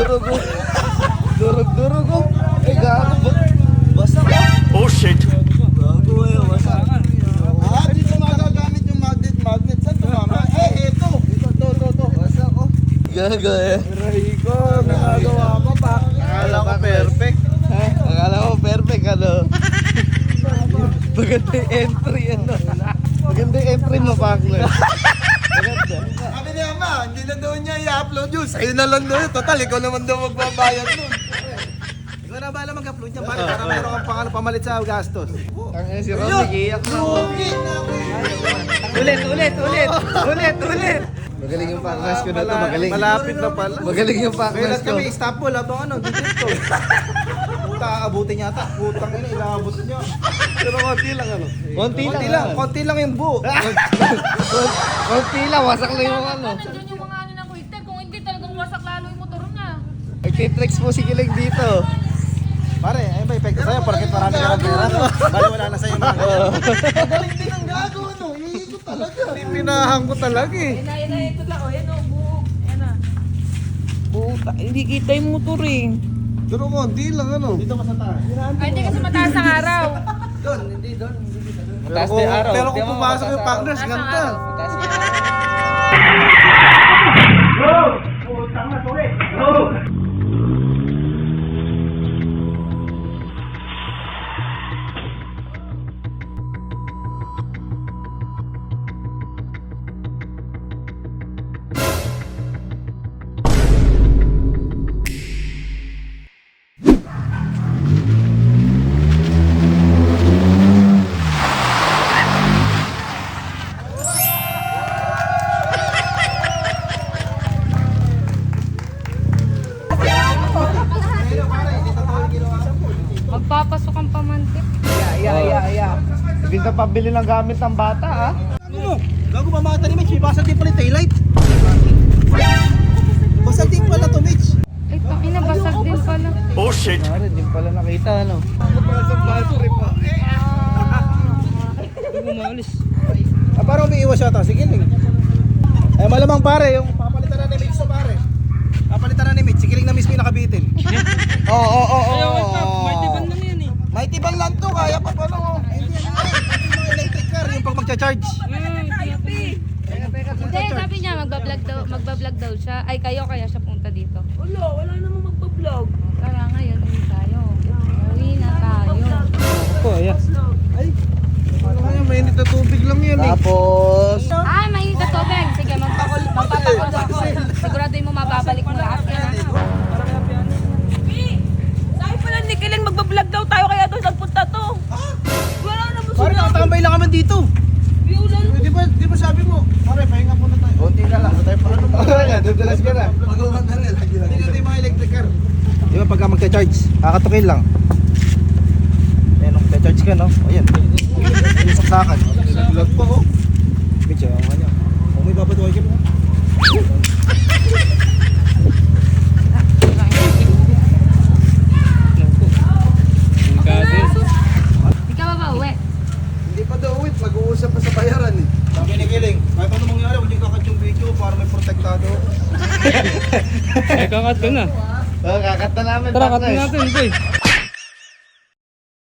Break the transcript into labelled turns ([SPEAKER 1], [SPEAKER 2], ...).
[SPEAKER 1] Durog ko. Durog ko. Ay, gago. Basa ko.
[SPEAKER 2] Oh shit!
[SPEAKER 1] Gago eh, basa.
[SPEAKER 3] Dito magagamit yung magnet. Saan to, mama? Eto. Ito.
[SPEAKER 1] Basa ko. Gago eh.
[SPEAKER 3] Aray ko, nagagawa ko pa.
[SPEAKER 1] Akala ko perfect. Akala ko perfect, ano? Maganda yung entry, ano? Maganda yung entry mo, Pakler. Maganda.
[SPEAKER 3] Sabi niya, ma, hindi na daw niya i-upload yun. Sa'yo na lang daw yun. Total, ikaw naman daw magbabayad nun. Ikaw na bala mag-upload niya, pare, para meron kang pangalan pamalit sa gastos.
[SPEAKER 1] Ang si Romy, iyak na.
[SPEAKER 3] Lugi na
[SPEAKER 1] Ulit. Magaling yung Pakler ko na to, magaling.
[SPEAKER 3] Malapit na pala.
[SPEAKER 1] Magaling yung Pakler
[SPEAKER 3] Kailan
[SPEAKER 1] ko.
[SPEAKER 3] kami, Istanbul, habang ano, dito. Puta, aabutin niya ata. Putang ina, ilaabot niya.
[SPEAKER 1] Pero konti lang, ano?
[SPEAKER 3] Konti lang yung buo.
[SPEAKER 1] Konti lang, wasak lang yung ano.
[SPEAKER 4] Nandiyan yung mga ano ng quick time. Kung hindi talagang wasak lalo yung motor niya.
[SPEAKER 1] Nagtitricks po si Kilig dito.
[SPEAKER 3] Pare, ayun ba, epekto sa'yo, porket marami ka ng pera. Bali, wala na sa'yo mga ganyan. Magaling din ang gago, ano? Iikot talaga.
[SPEAKER 1] Pinahan ko talaga eh.
[SPEAKER 4] Yan na, ito lang. O, yan o, buo. Yan na.
[SPEAKER 5] Puta, hindi kita yung motor eh.
[SPEAKER 1] Pero konti lang, ano?
[SPEAKER 3] Dito ka sa taas.
[SPEAKER 4] Ay, hindi kasi mataas ang araw.
[SPEAKER 3] Doon, hindi doon.
[SPEAKER 1] Mataas na yung araw.
[SPEAKER 3] Pero kung pumasok yung partners,
[SPEAKER 4] Mataas ang
[SPEAKER 3] ganda.
[SPEAKER 4] araw.
[SPEAKER 1] Mataas yung
[SPEAKER 4] Magpapasok ang pamantik.
[SPEAKER 1] Yeah. Ibig na pabili ng gamit ng bata, ha?
[SPEAKER 3] Ano mo? Gago ba mga tani, Mitch? May basag din pala yung taillight. Basag din pala to, Mitch.
[SPEAKER 4] Ay, ina, basag din pala.
[SPEAKER 2] Oh shit!
[SPEAKER 1] Pare, di pala nakita, ano?
[SPEAKER 3] Parang umiiwas yata. Sige, Ling. Eh, malamang pare, yung papalitan na ni Mitch sa pare. Papalitan na ni Mitch. Si Kiling na mismo yung nakabitin.
[SPEAKER 1] Oo.
[SPEAKER 3] May tibang lang to, kaya pa pala oh. Hindi yan yung mga electric car, yung pag magcha-charge.
[SPEAKER 4] Hindi, sabi niya, magbablog daw siya. Ay, kaya siya punta dito.
[SPEAKER 5] Wala namang magpa-vlog.
[SPEAKER 4] Tara, ngayon, uwi tayo. Uwi na tayo.
[SPEAKER 1] Ito, ayan. Ay, mainit na tubig lang yan, eh. Tapos...
[SPEAKER 4] Ah, may sa tubig. Sige, magpapakul ako. Siguraduhin mo mababalik mo lahat. Yan na.
[SPEAKER 5] Sabi pala ni Kiling magpa-vlog daw tayo kaya doon nagpunta to. Wala namang
[SPEAKER 3] Pare, nakatambay lang kami dito.
[SPEAKER 5] ulan.
[SPEAKER 3] Di ba sabi mo? Pare, pahinga muna tayo.
[SPEAKER 1] Konti na lang. Paano ba? Dudulas ka na.
[SPEAKER 3] Pag-uwan na rin. Hindi natin yung mga electric car. Di ba pagka magcha-charge, kakatukin lang. Ayan, nung magcha-charge ka, no? Ayan. Yung saksakan. Naglag pa, oh. Medyo, ang kanya. Kung may babatuhay ka mo.
[SPEAKER 4] Hindi ka ba ba uwi?
[SPEAKER 3] Hindi pa daw, wait. Mag-uusap pa sa bayaran, eh. Sabi ni Kiling, kahit ano mangyari, huwag yung kakat yung video para may protektado.
[SPEAKER 6] Eh, kakat ko na.
[SPEAKER 1] Kakat na namin.
[SPEAKER 6] Tara, kat
[SPEAKER 1] partners.
[SPEAKER 6] natin, boy.